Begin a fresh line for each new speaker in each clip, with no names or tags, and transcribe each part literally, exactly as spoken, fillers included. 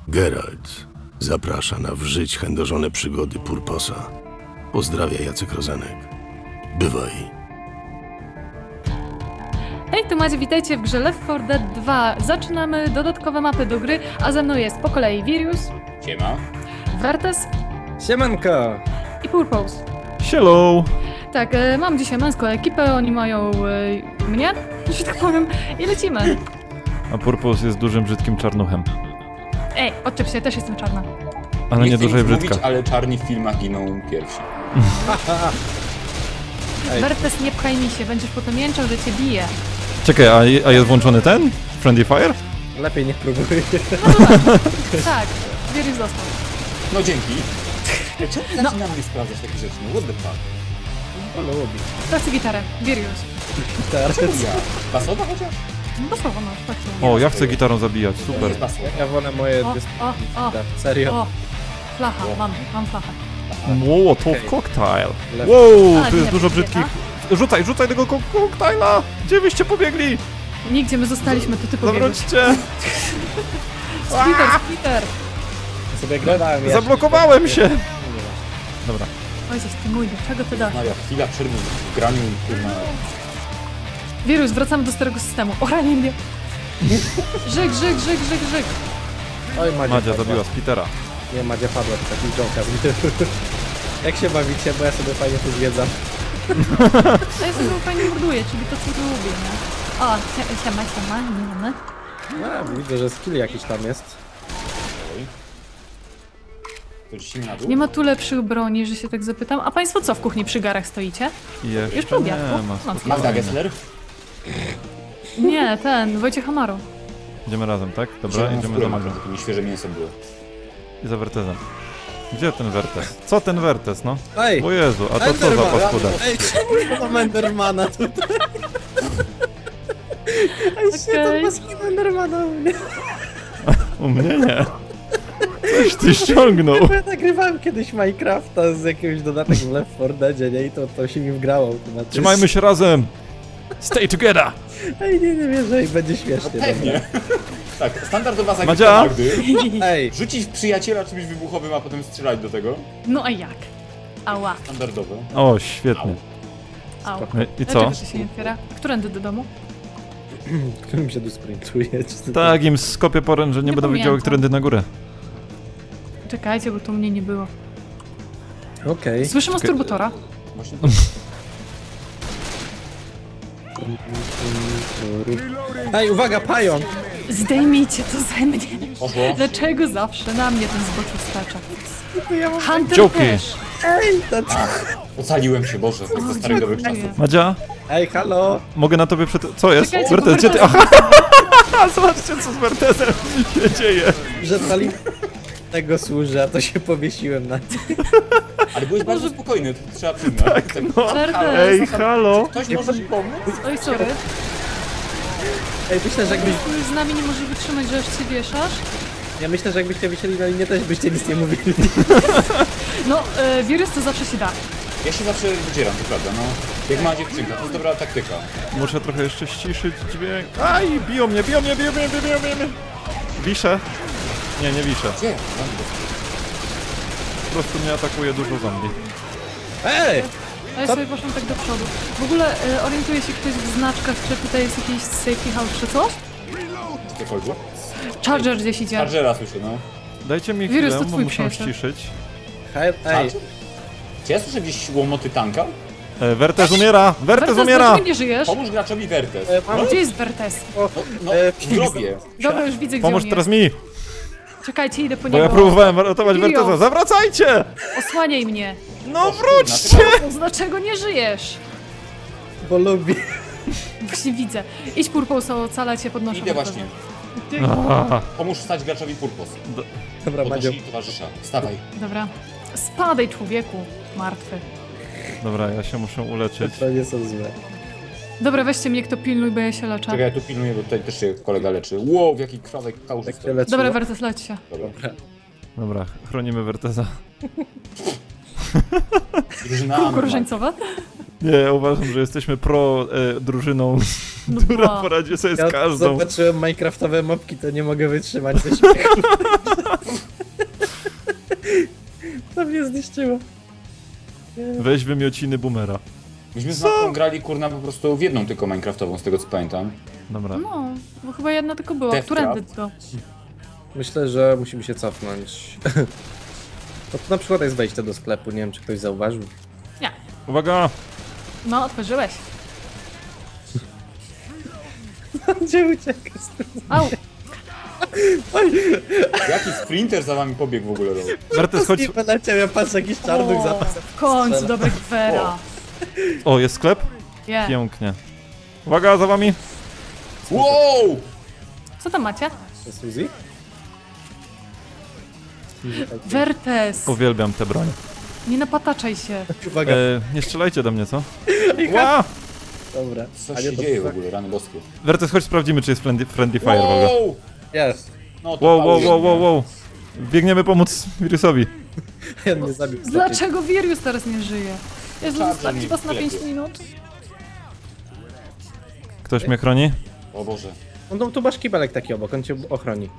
Geralt zaprasza na w żyć chędożone przygody Purposa. Pozdrawia Jacek Rozenek. Bywaj.
Hej, tu Macie, witajcie w grze Left four Dead dwa. Zaczynamy dodatkowe mapy do gry, a ze mną jest po kolei Virius.
Siema.
Vertes.
Siemanko.
I Purpose.
Hello.
Tak, e, mam dzisiaj męską ekipę, oni mają e, mnie, że tak powiem, i lecimy.
A Purpose jest dużym, brzydkim czarnuchem.
Ej, odczep się, też jestem czarna.
Ale nie, nie duża i brzydka.
Mówić, ale czarni w filmach giną pierwsi.
Vertes, nie pchaj mi się, będziesz potem jęczał, że cię bije.
Czekaj, a, a jest włączony ten? Friendly Fire?
Lepiej niech próbuj.
No to tak, tak, Virius został.
No dzięki. Czemu ty zaczyna mnie sprawdzać takie rzeczy? No what the fuck?
Ale łobi.
Sprawdź gitarę, Virius.
Teraz
Czemu ja? Basowa chociaż?
No słowo masz, tak
O, ja chcę gitarą zabijać, super.
Jest basowa.
ja wolę moje
O,
dysk...
o, o,
Serio.
o, flacha, mam, mam flachę.
Młotow
Okej.
cocktail.
Lewo.
Wow,
A,
tu jest
nie,
dużo
nie,
brzydkich. Rzucaj, rzucaj tego ko koktajla! Gdzie wyście pobiegli?
Nigdzie my zostaliśmy, to ty pobiegłeś.
Zawróćcie!
Splitter, splitter!
Sobie gadałem jeszcze.
Zablokowałem się! Dobra.
Ojciec, ty mój, do czego ty dasz?
Maria, chwila przerwy w graniu, kurna.
Wirus, wracamy do starego systemu. O, ranie mnie! Żyk, żyk, żyk, żyk, żyk!
Oj, Madzia,
Madzia
padła.
zabiła Spitera.
Nie, Madzia padła, to taki joker. Jak się bawicie, bo ja sobie fajnie tu zwiedzam.
A ja sobie fajnie morduję, czyli to, co lubię, nie? O, sie- siema, siema, nie mamy.
A, widzę, że skill jakiś tam jest.
To ci na dół?
Nie ma tu lepszych broni, że się tak zapytam. A państwo co w kuchni przy garach stoicie?
I jeszcze
Już po obiadku?
nie ma.
No,
Magda Gessler?
Nie, ten, Wojciech Amaro.
Idziemy razem, tak? Dobra,
Zieloną
idziemy
skórę
za
ma,
Magdą.
żeby świeże mięso było.
I za Vertesem. Gdzie ten Vertes? Co ten Vertes, no?
Ej!
O Jezu, a to co za
Enderman.
paskuda?
Ej, czemu ja mam Endermana tutaj? Ej, się
Okej.
to maski Endermana u mnie.
U mnie nie. Coś ty ściągnął.
Bo ja nagrywałem kiedyś Minecrafta z jakiegoś dodatkiem w Left four Deadzie, nie? I to, to się mi wgrało automatycznie.
Trzymajmy się razem. Stay together.
Ej, nie, nie wierzę i będzie śmiesznie.
Pewnie. Tak, standardowa zagrywka
Madzia?
Magdy.
Ej,
Rzucić w przyjaciela czymś wybuchowym, a potem strzelać do tego.
No a jak? Ała,
Standardowe.
O, świetnie.
au.
I co?
Dlaczego to się nie otwiera? Którędy do domu?
którym się tu sprintuje? Czy to-
Tak, im skopię porę, że nie,
Nie
będą
pamiętam.
wiedziały, którędy na górę.
Czekajcie, bo tu mnie nie było.
Okej.
Słyszę masturbatora.
Właśnie
Ej, uwaga, pająk!
Zdejmijcie to ze mnie.
poszło.
Dlaczego zawsze na mnie ten zboczu stacza?
Ja mam...
Hunter
Joki.
też.
Ej, to...
Ocaliłem się, Boże, jak ze starych dobrych
dziękuję.
czasów.
Madzia,
Ej, halo!
mogę na tobie przed... Co jest?
Czekajcie,
Vertes,
bo
gdzie ty...
Vertes-
Aha! Zobaczcie, co z Vertesem się dzieje.
Że pali... tego służy, a to się powiesiłem na...
Ale byłeś bardzo spokojny, to trzeba przyznać. Tak,
No.
Vertes.
Ej, halo.
Ktoś może mi pomóc?
Oj, sorry.
Ej, myślę, że jakbyś...
Tu z nami nie może wytrzymać, że aż się wieszasz.
Ja myślę, że jakbyście wysiedli na linię, też byście nic nie mówili.
No, e, wirus to zawsze się da.
Ja się zawsze wydzieram, to prawda, no. Jak ma dziewczynka, to jest dobra taktyka.
Muszę trochę jeszcze ściszyć dźwięk. Aj, biją mnie, biją mnie, biją mnie, biją mnie, biją mnie. Wiszę. Nie, nie wiszę.
Gdzie?
Po prostu mnie atakuje dużo zombie.
Ej!
A ja
Co?
sobie poszłam tak do przodu. W ogóle e, orientuje się ktoś w znaczkach, czy tutaj jest jakiś safety house, czy coś?
Cokolwiek?
Charger gdzieś idzie.
Chargera słyszę, no.
Dajcie mi
Wirus,
chwilę,
to
bo
twój
muszę
przyjaciel.
ściszyć.
Hej, ej!
Charger? Czy ja słyszę gdzieś łomoty tanka?
E, Vertes umiera! Vertes
Vertes,
umiera!
dlaczego nie żyjesz?
Pomóż graczowi Vertes.
E, mam-
Gdzie jest Vertes?
O,
No, no
E,
w grobie.
Dobra, już widzę, gdzie
Pomóż
on
teraz
jest.
mi!
Czekajcie, idę po
Bo
niego.
ja próbowałem ratować
Kirio.
Vertesa. Zawracajcie!
Osłaniaj mnie.
No wróćcie!
No, dlaczego nie żyjesz?
bo lubi.
Właśnie widzę. Idź Purpose, ocala cię, podnoszę.
Idę
Vertesa.
właśnie.
A,
Pomóż wstać graczowi Purpos.
Dobra, Madzio.
Podnosi towarzysza. Wstawaj.
Dobra. Spadaj, człowieku. Martwy.
Dobra, ja się muszę uleczyć.
To nie są złe.
Dobra, weźcie mnie, kto pilnuj, bo ja się leczę.
Czekaj, ja tu pilnuję, bo tutaj też się kolega leczy. Wow, w jaki krwawek kałuż
Tak
jest
się
to.
leczyło.
Dobra, Vertes, leć się.
Dobra.
Dobra, chronimy Vertesa.
Drużyna
Kółko
Anormal.
różańcowe?
Nie, uważam, że jesteśmy pro e, drużyną,
No
która
ba.
poradzi sobie z
Ja
każdą.
zobaczyłem minecraftowe mopki, to nie mogę wytrzymać ze śmiechu. To mnie zniszczyło.
Weź wymiociny boomera.
Myśmy z Matką grali kurna po prostu w jedną tylko Minecraftową, z tego co pamiętam.
Dobra.
No, bo chyba jedna tylko była.
Death
Którędy
Trap.
to?
Myślę, że musimy się cofnąć. No to na przykład jest wejście do sklepu, nie wiem czy ktoś zauważył.
Nie.
Uwaga!
No, otworzyłeś.
Gdzie uciekasz?
Au.
Jaki sprinter za wami pobiegł w ogóle?
Mertes, chodź.
Nie poleciał, ja patrzę jakiś czarnych
O,
zapas.
w końcu, dobry Gwera.
O, jest sklep?
Je.
Pięknie. Uwaga, za wami!
Wow!
Co tam macie?
To Suzy?
Wertes.
Uwielbiam tę broń.
Nie napataczaj się.
Uwaga,
E, nie strzelajcie do mnie, co? Ła!
dobra.
Co
A nie,
się
to
dzieje w
tak-
ogóle, rany boskie?
Wertes, chodź sprawdzimy, czy jest friendly, friendly fire w ogóle.
Wow!
Jest.
No to
Wow, wow,
pałuje
wow, wow,
mnie.
wow. Biegniemy pomóc wirusowi.
Ja mnie zabił.
Dlaczego Virius teraz nie żyje? Jezu,
Czarny
zostawić
mi
was na pięć
wlepie.
minut.
Ktoś mnie chroni?
O Boże.
No tu masz kibelek taki obok, on cię ochroni.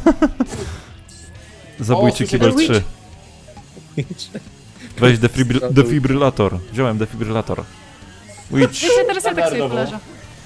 Zabójczy
O,
kibel
słyszę-
trzy. Weź defibryl defibrylator. Wziąłem defibrylator. Witch.
Ja się teraz ja tak sobie
Standardowo.
poleżę.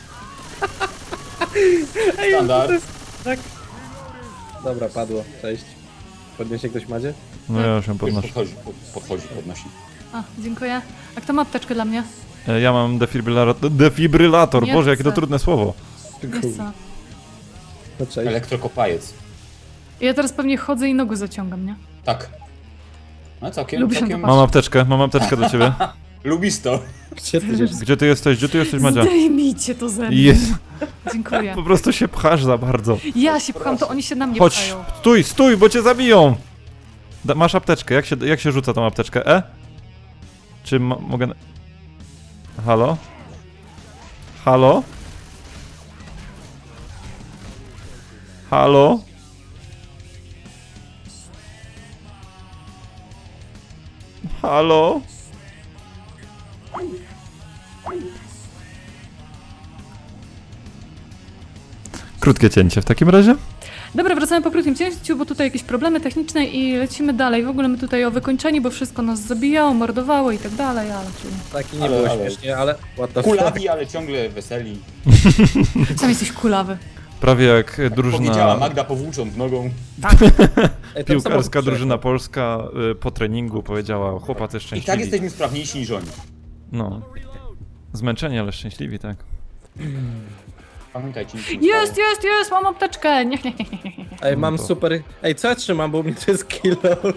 Standard.
Tak. Dobra, padło. Cześć. Podniesie ktoś Madzie?
No ja się
Już
podnoszę.
podchodzi, pod- podchodzi, podnosi.
A, dziękuję. A kto ma apteczkę dla mnie?
E, Ja mam defibrylator. Defibrylator!
Nie
Boże, jakie to
chcę.
trudne słowo.
Nie chcę.
No cześć.
Elektrokopajec.
Ja teraz pewnie chodzę i nogę zaciągam, nie?
Tak. No całkiem,
Lubię
całkiem...
to
Mam apteczkę, mam apteczkę do ciebie.
Lubisz to.
Gdzie ty jest?
Gdzie ty jesteś? Gdzie ty jesteś, Madzia?
Zdejmijcie to ze mnie.
Jest.
Dziękuję.
Po prostu się pchasz za bardzo.
Ja się pcham, to oni się na mnie
Chodź,
pchają.
stój, stój, bo cię zabiją! Da, masz apteczkę, jak się, jak się rzuca tą apteczkę? E? Czy mo mogę... na- Halo? Halo? Halo? Halo? Krótkie cięcie w takim razie.
Dobra, wracamy po krótkim cięciu, bo tutaj jakieś problemy techniczne i lecimy dalej. W ogóle my tutaj o wykończeniu, bo wszystko nas zabijało, mordowało i tak dalej, ale czyli...
Taki nie
Ale-
było
ale-
śmiesznie, ale what the fuck.
Kulawi, ale ciągle weseli.
Sam jesteś kulawy.
Prawie jak
Powiedziała
drużyna
Magda powłócząc nogą.
Ej, tam
piłkarska
samochód
drużyna polska y, po treningu powiedziała: chłopacy
I tak
szczęśliwi.
jesteśmy sprawniejsi niż oni.
No. Zmęczeni, ale szczęśliwi, tak.
Pamiętajcie, nic się nie
Jest,
stało.
jest, jest, mam apteczkę! Nie, nie, nie, nie, nie.
Ej, mam
to-
super... Ej, co ja trzymam, bo u mnie to jest kilo.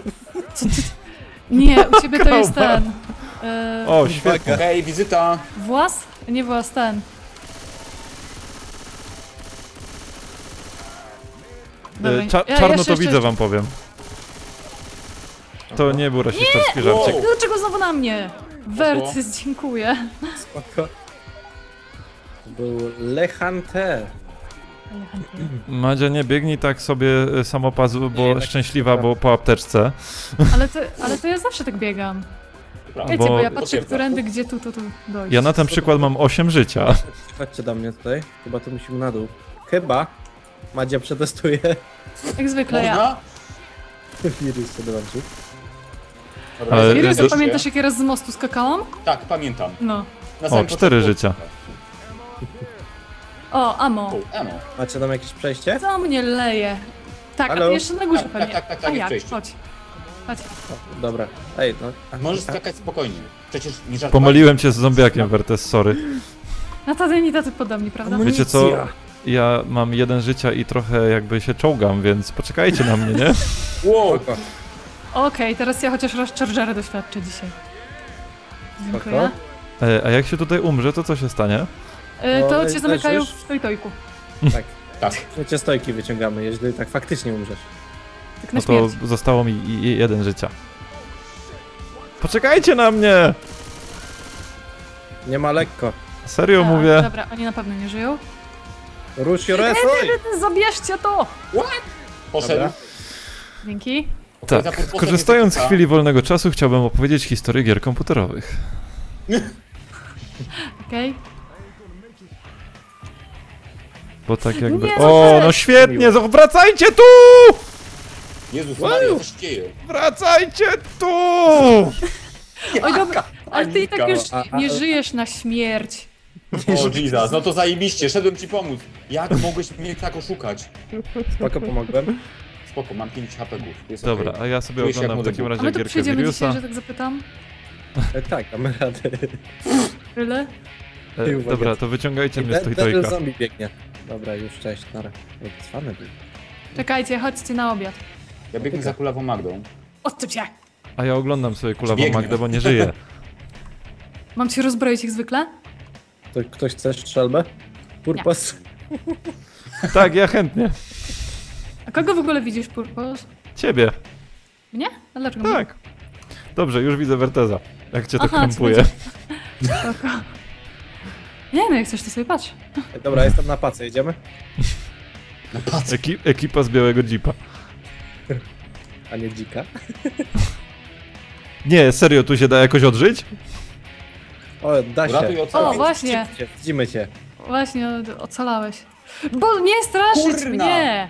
Nie, u ciebie to jest ten... E,
O, świetnie.
Okej, wizyta.
włas? Nie włas, ten. Dobra,
Y, Cza
ja-
czarno
jeszcze-
to widzę,
jeszcze-
wam powiem. To nie był rasistowski żarcik.
Wow.
Dlaczego znowu na mnie? Wertys, dziękuję.
Spoko. To był Lechante.
Madzia, nie biegnij tak sobie y, samopazu, bo
Nie, tak
szczęśliwa,
dobra.
bo po apteczce.
Ale to, ale to ja zawsze tak biegam.
Prawda.
Wiecie,
Bo-
bo ja patrzę,
Potwierdza.
którędy, gdzie tu, tu, tu dojść.
Ja na ten przykład mam osiem życia.
Chodźcie do mnie tutaj. Chyba to musimy na dół. Chyba. Madzia przetestuje.
Jak zwykle ja.
Można?
Wirus się dołączył.
Dobra,
Ale-
jest-
Wirus,
do-
pamiętasz jak ja raz z mostu skakałam?
Tak, pamiętam.
No.
Na
O,
samym
cztery
początku-
życia.
O, amo.
O, Emo.
Macie tam jakieś przejście?
Co mnie leje? Tak,
Halo?
a jeszcze na górze
Tak,
pewnie.
tak, tak, tak,
a
jest
jak?
przejście.
Chodź. Chodź.
O, dobra. Ej, no. a-
Możesz
a-
skakać spokojnie. Przecież nie żartowałem.
Pomyliłem cię z zombiakiem, Wertes, sorry.
Na tacy i tacy podobni, prawda?
Amunicja.
Wiecie co? Ja mam jeden życia i trochę jakby się czołgam, więc poczekajcie na mnie, nie?
Wow.
Spoko.
Okej, teraz ja chociaż raz Chargera doświadczę dzisiaj. Dziękuję.
E, a jak się tutaj umrze, to co się stanie?
Y,
No,
to
le-
cię zamykają
leżysz?
w stojtojku.
Tak.
Tak.
Przecie stojki wyciągamy, jeżeli tak faktycznie umrzesz.
Tak na
No to
śmierć.
zostało mi i- i jeden życia. Poczekajcie na mnie!
Nie ma lekko.
Serio
A,
mówię.
Dobra, oni na pewno nie żyją.
Rusz your ass, oj!
Zabierzcie to!
Poszedł.
Dobra.
Dzięki.
Za
Tak,
purposem
korzystając z
nie
chwili wolnego czasu, chciałbym opowiedzieć historię gier komputerowych.
Okej.
Bo tak jakby...
Nie,
O,
no
no
weź.
świetnie! zo- Wracajcie tu!
Jezus Maria, co się dzieje?
Wracajcie tu!
Oj, dobra, ale ty i tak już
A, a,
nie
a-
żyjesz na śmierć.
O Jesus, no to zajebiście, szedłem ci pomóc. Jak mogłeś mnie tak oszukać?
Spoko, pomogłem.
Spoko, mam pięć hapegów. Jest
Dobra,
okej.
a ja sobie
Czuję się jak
oglądam w
młody
takim
Bóg.
A
razie
my tu
gierkę
przyjdziemy dzisiaj,
Viriusa.
że tak zapytam.
E, tak, damy radę.
Tyle?
E,
Uwaga.
dobra, to wyciągajcie mnie z
Ten
tojtojka.
zombie biegnie. Dobra, już cześć, nara. Jak cwany był.
Czekajcie, chodźcie na obiad.
Ja biegnę za kulawą Magdą.
Odcep się!
A ja oglądam sobie kulawą
Biegnie.
Magdę, bo nie żyje.
Mam cię rozbroić jak zwykle?
To ktoś chce strzelbę? Purpos?
Tak, ja chętnie.
A kogo w ogóle widzisz, Purpos?
Ciebie.
Mnie? A dlaczego?
Tak. Dobrze, już widzę Werteza. Jak cię to
Aha,
krępuje.
Spoko. Nie no, jak chcesz, to sobie patrz.
E, Dobra, jestem na pace, jedziemy?
Eki ekipa z białego jeepa.
A nie dzika?
Nie, serio, tu się da jakoś odżyć?
O, da
Ratuj
się.
O,
ocalać.
właśnie,
Widzimy cię, widzimy cię.
właśnie o- ocalałeś. Bo nie straszyć
Kurna.
mnie!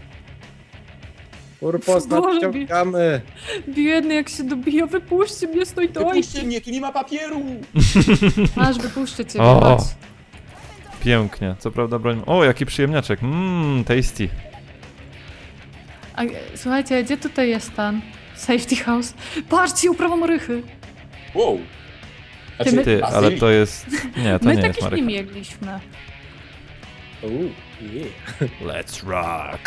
Purpos,
Boże,
nadciągamy.
Biedny, jak się dobija, wypuśćcie mnie, stoj to.
Wypuśćcie mnie, tu nie ma papieru!
Aż wypuszczę cię,
O.
chodź.
Pięknie. Co prawda broń... O, jaki przyjemniaczek. Mmm, tasty.
A, e, słuchajcie, gdzie tutaj jest ten safety house? Patrzcie, uprawą rychy.
Wow.
Ty, my-
Ty, ale to jest... Nie, to
My
nie jest
takich nie
Marek.
mieliśmy.
Uuu, yeah.
Let's rock.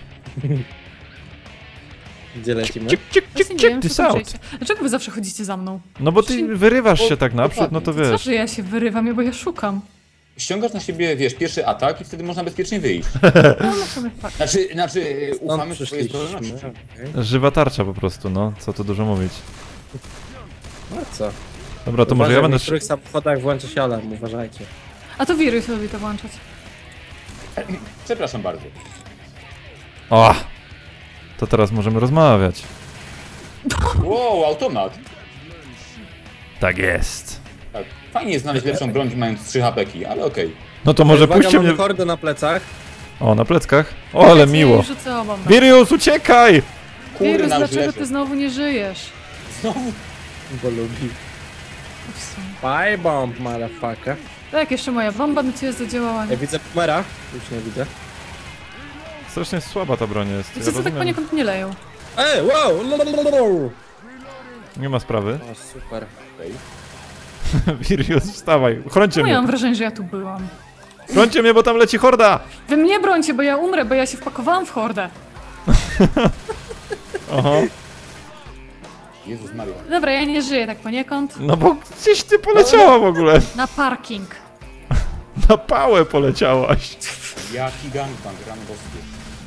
Gdzie lecimy?
Cik, cik,
Właśnie
cik,
nie wiem,
cik,
co
this
tu
out.
przejście. Dlaczego wy zawsze chodzicie za mną?
No bo ty wyrywasz się tak naprzód, no to
Co,
wiesz.
że ja się wyrywam, bo ja szukam.
Ściągasz na siebie, wiesz, pierwszy atak i wtedy można bezpiecznie wyjść.
No, no sobie fakt.
Znaczy, znaczy
Stąd
ufamy w twojej
przyszliśmy.
zdolności.
Okej.
Żywa tarcza po prostu, no. Co tu dużo mówić.
No co?
Dobra, to może ja
Uważaj,
będę...
w niektórych samochodach włączy się alarm, uważajcie.
A to wirus lubi to włączać.
Przepraszam bardzo.
O! To teraz możemy rozmawiać.
Wow, automat.
Tak jest.
Tak. Fajnie jest znaleźć lepszą broń, mając trzy hapeki, ale okej.
No to może
Uwaga,
puśćcie
mamy
mnie...
hordę na plecach.
O, na pleckach. O, ale
Ja
miło.
rzucę obam.
Virius, uciekaj!
Wirus,
Kurna, już
dlaczego
leżę.
ty znowu nie żyjesz?
Znowu.
Bo lubi.
W sumie.
Fire bomb, motherfucker.
Tak, jeszcze moja bomba na ciebie zadziałała.
Ja widzę Pumera. Już nie widzę.
Strasznie słaba ta broń jest. Ja
Wszyscy tak
rozumiem.
poniekąd nie leją.
Ej, wow! Lolololol.
Nie ma sprawy.
O, super.
Okej.
Virius, wstawaj. Chrońcie
No ja mam
mnie.
wrażenie, że ja tu byłam.
Chrońcie mnie, bo tam leci horda.
Wy mnie brońcie, bo ja umrę, bo ja się wpakowałam w hordę.
Oho.
Jezus Maria.
Dobra, ja nie żyję tak poniekąd.
No bo gdzieś ty poleciała w ogóle.
Na parking.
Na pałę poleciałaś.
Jaki gangbang, rano boskie.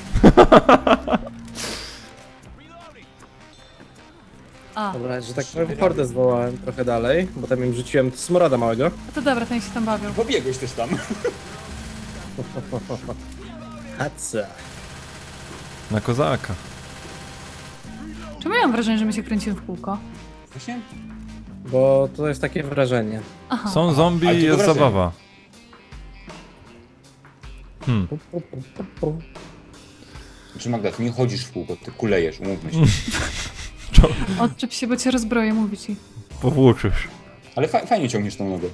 A,
Dobra, że tak powiem, hordę zwołałem trochę dalej, bo tam im rzuciłem smroda małego.
no to dobra, ten się tam bawią.
Pobiegłeś też tam.
Haca.
Na kozaka.
Czemu ja mam wrażenie, że my się kręcimy w kółko?
Właśnie?
Bo to jest takie wrażenie.
Aha.
Są zombie
Ale
i
to
jest
wrażenie.
zabawa. Hmm.
Znaczy Magda, ty nie chodzisz w kółko, ty kulejesz, umówmy się.
Odczep się, bo cię rozbroję, mówi ci.
Powłóczysz.
Ale fa fajnie ciągniesz tą nogę.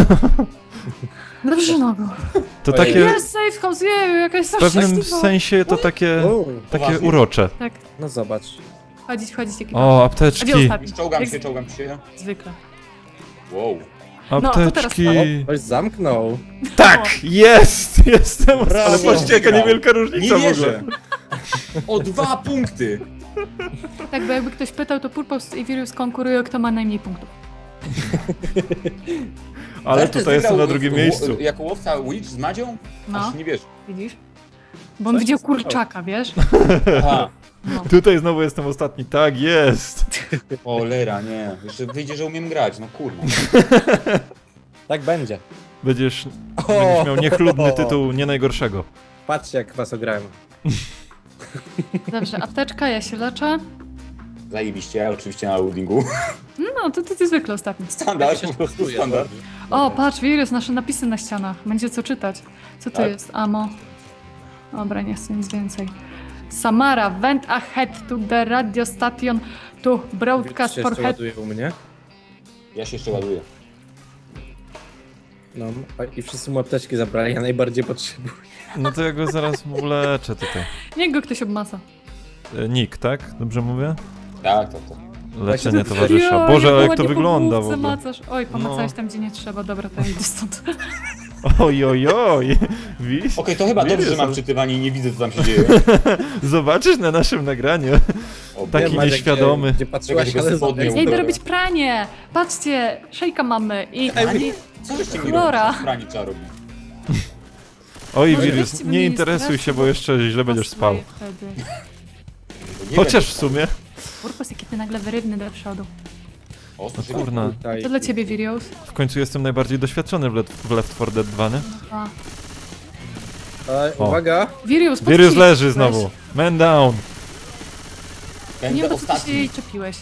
Dobrze nogą.
To
Ojej.
takie...
Jest safe house, jeju, jakaś
W pewnym
straszliwa.
sensie to takie...
O,
Takie
Poważnie?
urocze.
Tak,
no zobacz.
wchodzić, wchodzić, jaki
O,
A
apteczki.
gdzie ostatni?
Czołgam
Jak
się, czołgam się.
zwykle.
Wow.
No, to teraz
Apteczki.
O, ktoś zamknął.
Tak! Jest! Jestem!
Brawo.
Ale patrzcie, jaka
Wygrał.
niewielka
Nie
różnica w
wierzę.
ogóle.
O dwa punkty!
Tak, bo jakby ktoś pytał, to Purpose i Virus konkurują, kto ma najmniej punktów.
Ale
Wertes
tutaj jestem
wygrał
na drugim
w-
miejscu.
Jako łowca Witch z Madzią?
No.
Aż nie wiesz.
Widzisz? Bo on
Co
widział
się stało?
kurczaka, wiesz?
Aha.
No.
Tutaj znowu jestem ostatni. Tak, jest!
Cholera, nie. Jeszcze wyjdzie, że umiem grać, no kurwa.
Tak będzie.
Będziesz, będziesz miał niechlubny tytuł nie najgorszego.
Patrzcie, jak was ograłem.
Dobrze, apteczka, ja się leczę.
Zajebiście, ja oczywiście na loadingu.
No, to ty, ty zwykle ostatni.
Standard, po prostu standard.
O, patrz, wirus, nasze napisy na ścianach. Będzie co czytać. Co to
Tak.
jest? Amo. Dobra, nie chcę nic więcej. Samara, went ahead to the radio station to broadcast
Się
for
jeszcze
head.
ładuje u mnie.
Ja się jeszcze ładuję.
No a- i wszyscy mu apteczki zabrali, ja najbardziej potrzebuję.
No to ja go zaraz uleczę tutaj.
Niech go ktoś obmasa.
E, Nick, tak? Dobrze mówię?
Tak, tak, tak.
Leczenie
Właśnie-
towarzysza.
Jo,
Boże, ale jak
ładnie
to
po
wygląda w
główce
ogóle.
Macasz. Oj, pomacałeś
No.
tam, gdzie nie trzeba. Dobra, to ja idę stąd.
Oj, oj, oj. Widzisz?
Okej, to chyba dobrze, że
Wirus,
mam czytywanie i nie widzę, co tam się dzieje.
Zobaczysz na naszym nagraniu.
O,
Taki
Wiem, Maciek,
nieświadomy.
Gdzie, gdzie patrzyłaś,
Czekaj,
ale
tylko spodnie
zobacz.
Ja idę
Dobra.
robić pranie! Patrzcie, szejka mamy i...
Ani... Co żeście mi
Chlora.
robić? Pranie trzeba robić.
Oj,
Może
wirus,
weźcie mnie
nie
nie
interesuj
straszcie,
się, bo
bo-
jeszcze źle będziesz spał.
Wtedy.
Nie
Chociaż
wiem,
w sumie.
Purpos, jaki ty nagle wyrywny do przodu.
O, słyszę,
Kurna.
Tutaj.
To dla ciebie, Virius.
W końcu jestem najbardziej doświadczony w Left, w Left four Dead dwa, nie?
A.
Ej,
O.
uwaga!
Virius, po
Wirus
co
leży
jej
znowu. Man down.
czepiłeś? Nie
Będę
wiem, po co ty się
ostatni.
jej czepiłeś.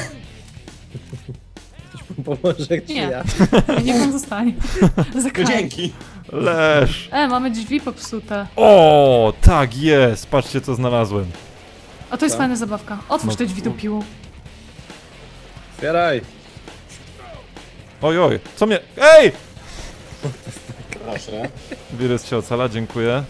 Ktoś mi pomoże, czy
Nie.
ja?
Niech on zostanie.
No
Zakraj.
dzięki.
Leż.
E, mamy drzwi popsute.
O, tak jest. Patrzcie, co znalazłem.
A to jest
Co?
fajna zabawka. Otwórz
No.
te drzwi do piłu.
Otwieraj!
Oj, oj. Co mnie... Ej!
Proszę.
Wirus cię ocala, dziękuję.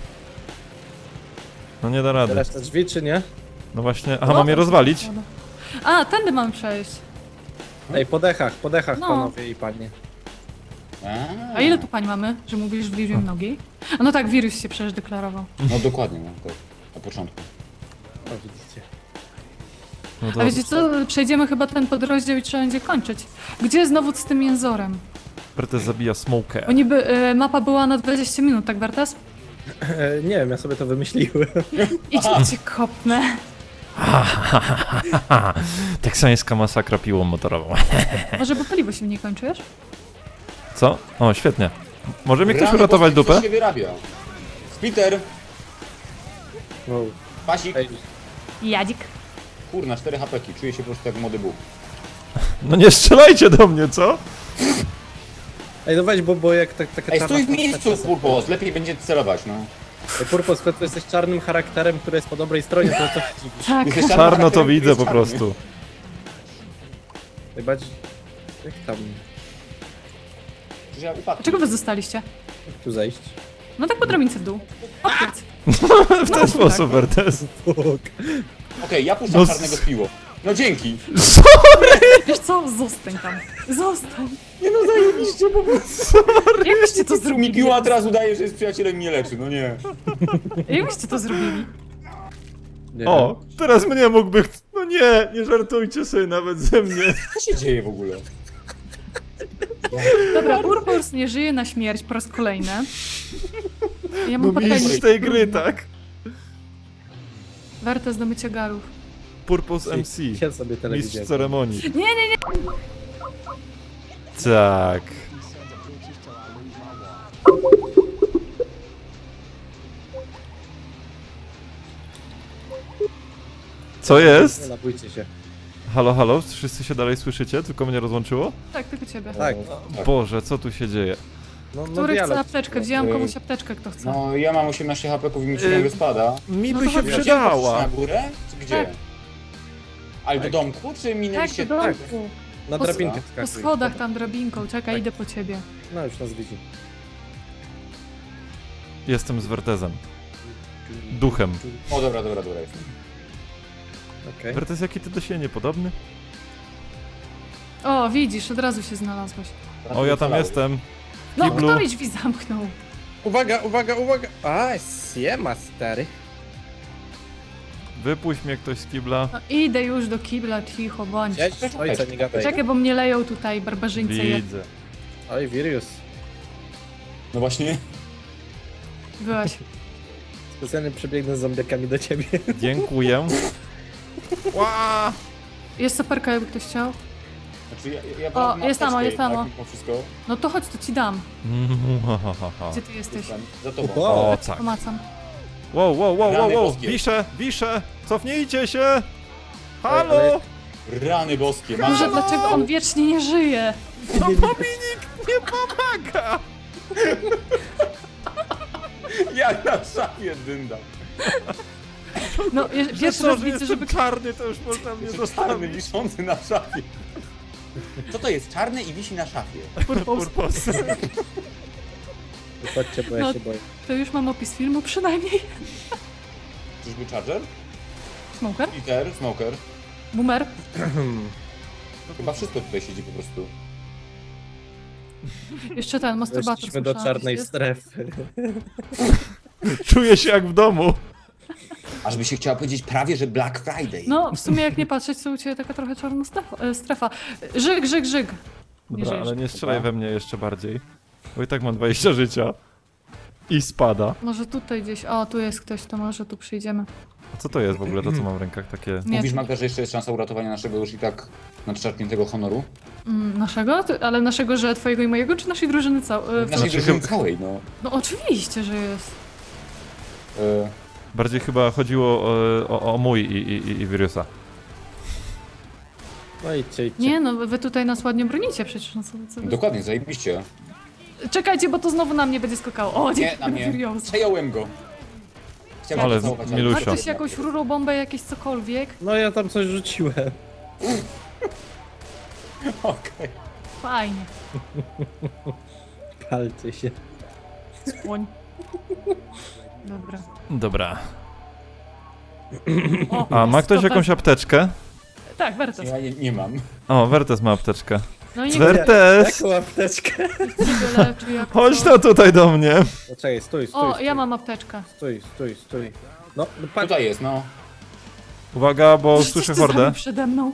No nie da rady.
Otwierasz te drzwi, czy nie?
No właśnie... Aha, mam je rozwalić?
A, tędy mamy przejść.
Ej, po dechach, po dechach,
No.
panowie i panie.
A ile tu pań mamy, że mówisz w liczbie nogi? A no tak, wirus się przecież deklarował.
No dokładnie, no tak. Na początku.
O, widzicie.
No
A wiecie co, przejdziemy chyba ten podrozdział i trzeba będzie kończyć. Gdzie znowu z tym jęzorem?
Bertes zabija Smoker.
Bo niby y, mapa była na dwadzieścia minut, tak Bartas?
E, nie wiem, ja sobie to wymyśliłem.
Idź cię kopnę.
Teksańska masakra piłą motorową.
Może bo paliwo się nie kończy, wiesz?
Co? O, świetnie. Może mi ktoś
Rany
uratować
boskie,
dupę?
Co się wyrabia? Spiter,
Wow.
pasik.
Ej,
Jadzik.
Kurna, cztery hapeki. Czuję się po prostu jak młody Bóg.
No nie strzelajcie do mnie, co?
Ej, no weź, bo, bo jak tak, taka
Ej,
czarna
stój w
postać
miejscu,
czasem-
Purpos. Lepiej będzie celować, no.
Ej, Purpos, skoro ty jesteś czarnym charakterem, który jest po dobrej stronie, to co się dziwisz?
Tak.
Jesteś czarnym
Czarno to
charakterem,
widzę
który
po
jest czarny.
prostu.
Najbardziej... Jak tam...
Przecież ja upadłem.
Czego wy zostaliście?
Jak tu zejść?
No tak po drabince w dół. Odpiec.
W ten sposób, Bertes.
Fuk.
Okej, ja puszczam
No
czarnego
s-
z piło. No dzięki.
Wiesz co? Zostań tam. Zostań.
Nie no, zajebiście po prostu.
Jak byście to
Mi
zrobili?
piła teraz udaje, że jest przyjacielem i mnie leczy, no nie.
Jak byście to zrobili?
Nie
O, teraz mnie mógłby... ch- No nie, nie żartujcie sobie nawet ze mnie.
Co się dzieje w ogóle?
Dobra, Purpurs nie żyje na śmierć po raz kolejny. Ja
No
mam pytanie.
mistrz tej gry, tak?
Warto do mycia garów.
Purpose M C.
wiem. Ja sobie
Mistrz
telewizję.
ceremonii.
Nie, nie, nie.
Tak. Co
Nie
jest?
napójcie się.
Halo, halo? Wszyscy się dalej słyszycie? Tylko mnie rozłączyło?
Tak, tylko ciebie.
Tak.
Tak.
Boże, co tu się dzieje?
No, no
Który chce
dialog.
apteczkę? Wzięłam komuś apteczkę, kto chce.
No ja mam osiemnaście hapeków i mi się
Yy,
ciągle spada.
Mi
No
by
to
się
chodź.
Gdzie poszliście
przydała.
na górę? Czy gdzie?
Tak.
Ale do domku, czy
Tak,
minęliście...
do domku.
Na
Po-
drabinkę
Po
wskakuj.
schodach tam drabinką. Czekaj,
Tak.
idę po ciebie.
No już nas widzi.
Jestem z Wertezem. Duchem.
O dobra, dobra, dobra, jestem.
Okej.
Wertez, jaki ty do siebie niepodobny?
O, widzisz, od razu się znalazłeś.
O, ja tam jestem.
No,
Kiblu.
kto mi drzwi zamknął?
Uwaga, uwaga, uwaga! A, siema, stary.
Wypuść mnie ktoś z kibla.
No, idę już do kibla, cicho bądź.
Cześć, ojca, nie gadaj.
Czekaj, bo mnie leją tutaj barbarzyńcy. je-
Widzę.
Oj, Virius.
No właśnie.
Byłaś.
Specjalnie przebiegnę z zombiakami do ciebie.
Dziękuję. Ła!
Jest soperka, jakby ktoś chciał.
Znaczy ja, ja
O,
mam
jest tam,
apteczkę
jest tam,
jednak,
o.
mimo wszystko.
No to chodź, to ci dam.
Mm, ha, ha, ha, ha.
Gdzie ty jesteś?
Jestem za tobą.
O,
O, tak.
Pomacam.
Wow, wow, wow, wow,
Rany
wow.
boskie.
Wiszę, wiszę. Cofnijcie się.
ale-
Halo!
Rany boskie,
Może
mam...
dlaczego on wiecznie nie żyje?
No Dominik! nie pomaga!
Jak na szafie dynda.
No, je-
Że
pierwszy
to,
raz
że
widzę,
jestem
żeby...
czarny, to już można mnie
Czarny,
zostawić.
wiszący na szafie. Co to jest? Czarny i wisi na szafie.
Purpos.
Chodźcie, bo ja
No.
się boję.
To już mam opis filmu przynajmniej.
Czyżby Charger?
Smoker?
Peter? Smoker?
Boomer?
Chyba wszystko tutaj siedzi po prostu.
Jeszcze ten, masturbator.
Weszliśmy do
słyszałam,
czarnej
jest.
strefy.
Czuję się jak w domu.
Aż by się chciała powiedzieć prawie, że Black Friday.
No, w sumie jak nie patrzeć, to u Ciebie taka trochę czarna strefa. e, strefa. Żyg, żyg, żyg. Nie
Dobra,
żyjesz.
ale nie strzelaj we mnie jeszcze bardziej. Bo i tak mam dwadzieścia życia. I spada.
Może tutaj gdzieś, o tu jest ktoś, to może tu przyjdziemy.
A co to jest w ogóle, to co mam w rękach takie?
Nie,
Mówisz, Magda, że jeszcze jest szansa uratowania naszego już i tak nadszarpniętego honoru?
mm, naszego? Ty- Ale naszego, że twojego i mojego, czy naszej drużyny całej?
Naszej
Znaczy,
drużyny
chyba-
całej, no.
No oczywiście, że jest.
E,
Bardziej chyba chodziło o, o, o mój i, i, i, i Virusa.
No idźcie, idźcie.
Nie no, wy tutaj nas ładnie bronicie przecież. No, co, co wy-
dokładnie, zajebiście.
Czekajcie, bo to znowu na mnie będzie skakało. O,
Nie,
dzięki
na mnie.
Furious.
Przejąłem go. Chciałem
Ale
cię całować,
milusia.
Ma ktoś jakąś rurą bombę, jakieś cokolwiek?
No ja tam coś rzuciłem.
Okej.
Fajnie.
Palcie się.
Słoń. Dobra.
Dobra.
O,
A, ma
jest
ktoś
to
jakąś
we-
apteczkę?
Tak, Wertes.
Ja nie, nie mam.
O, Wertes ma apteczkę.
No i niech
Wertes!
Jaką apteczkę?
się leczy jak
Chodź
to.
no tutaj do mnie.
No czekaj, stój, stój,
O,
stój.
ja mam apteczkę.
Stój, stój, stój. No, no patrz.
Tutaj jest, no.
Uwaga, bo
Coś
słyszę
ty zrobił
hordę.
przede mną.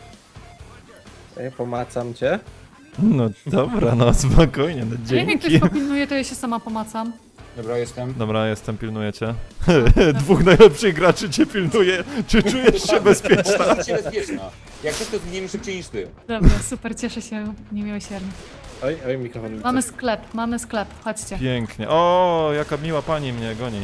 Ja pomacam cię.
No dobra, no spokojnie, no
A jak mnie ktoś
dzięki.
popilnuje, to ja się sama pomacam.
Dobra, jestem.
Dobra, jestem, pilnuję cię. Dwóch najlepszych graczy cię pilnuje. Czy czujesz się bezpieczna?
Czuję się bezpieczna. Jak coś, to zginiemy szybciej niż ty.
Dobra, super, cieszę się niemiłosiernie.
Oj, oj, mikrofon mi
Mamy
coś-
sklep, mamy sklep, chodźcie.
Pięknie. O, jaka miła pani mnie goni.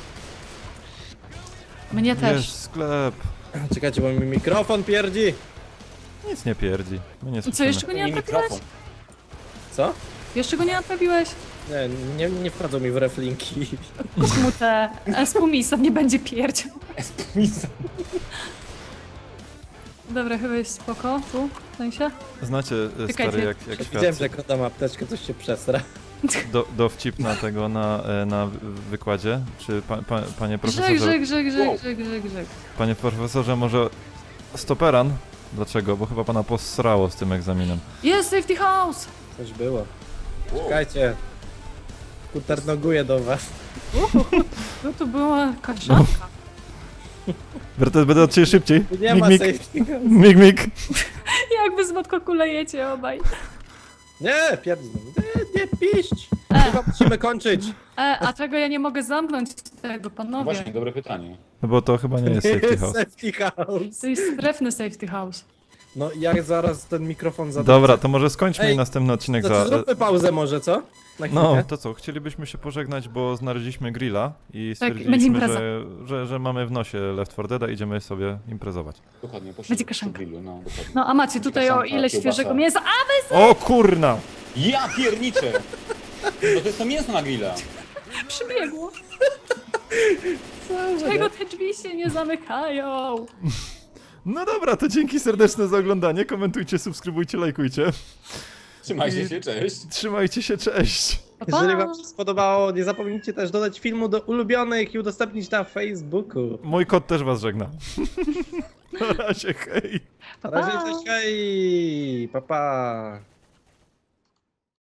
Mnie też.
Jest sklep.
Czekajcie, bo mi mikrofon pierdzi.
Nic nie pierdzi. My nie
Co,
słyszymy.
jeszcze go nie
Nie
naprawiłeś?
mikrofon.
Co?
Jeszcze go nie naprawiłeś?
Nie, nie, nie wchodzą mi w reflinki.
Kup mu te espumisa, nie będzie pierdział.
Misa.
Dobra, chyba jest spoko, tu, w sensie.
Znacie, e,
Czekajcie.
stary, jak, jak
Widziałem,
świat
że jak oddam apteczkę, coś się przesra.
do, dowcip na tego, na, e, na wy- wykładzie? Czy pa, pa, panie
Grzyk,
profesorze,
grzyk, grzyk,
Wow.
grzyk, grzyk, grzyk, grzyk.
panie profesorze, może stoperan? Dlaczego? Bo chyba pana posrało z tym egzaminem.
Jest safety house!
Coś było.
Wow.
Czekajcie. Kuternoguję do was.
No to była kaszanka.
Bertes, będę od ciebie szybciej.
Nie
Mig,
ma
mig,
safety house.
mig, mig.
Jakby z matko kulejecie obaj.
Nie, pierdź. Nie, nie piść.
E.
Chyba musimy kończyć.
E, a czego ja nie mogę zamknąć tego,
No
panowie?
właśnie, dobre pytanie.
No bo to chyba nie jest safety house.
Safety house.
To jest strefny safety house.
No jak zaraz ten mikrofon zadam.
Dobra, to może skończmy
Ej,
i następny odcinek
To
za...
czy zróbmy pauzę może, co? Na chwilkę.
No, to co, chcielibyśmy się pożegnać, bo znaleźliśmy grilla i
Tak, będzie
stwierdziliśmy,
impreza.
że, że, że mamy w nosie Left four Dead, idziemy sobie imprezować.
Dokładnie, poszedł
Będzie
przy
kaszanka.
grillu, no dokładnie.
No a macie tutaj o
Kaszanka,
ileś
kiełbasa.
świeżego mięsa. A
O kurna!
Ja pierniczę! No to jest to mięso na grilla.
wy przybiegło. Czego te drzwi się nie zamykają?
No dobra, to dzięki serdeczne za oglądanie, komentujcie, subskrybujcie, lajkujcie.
Trzymajcie się, cześć.
Trzymajcie się, cześć!
Pa, pa.
Jeżeli wam się spodobało, nie zapomnijcie też dodać filmu do ulubionych i udostępnić na Facebooku.
Mój kot też was żegna. Na razie, hej!
Pa,
Na razie,
pa.
cześć, hej! Pa, pa!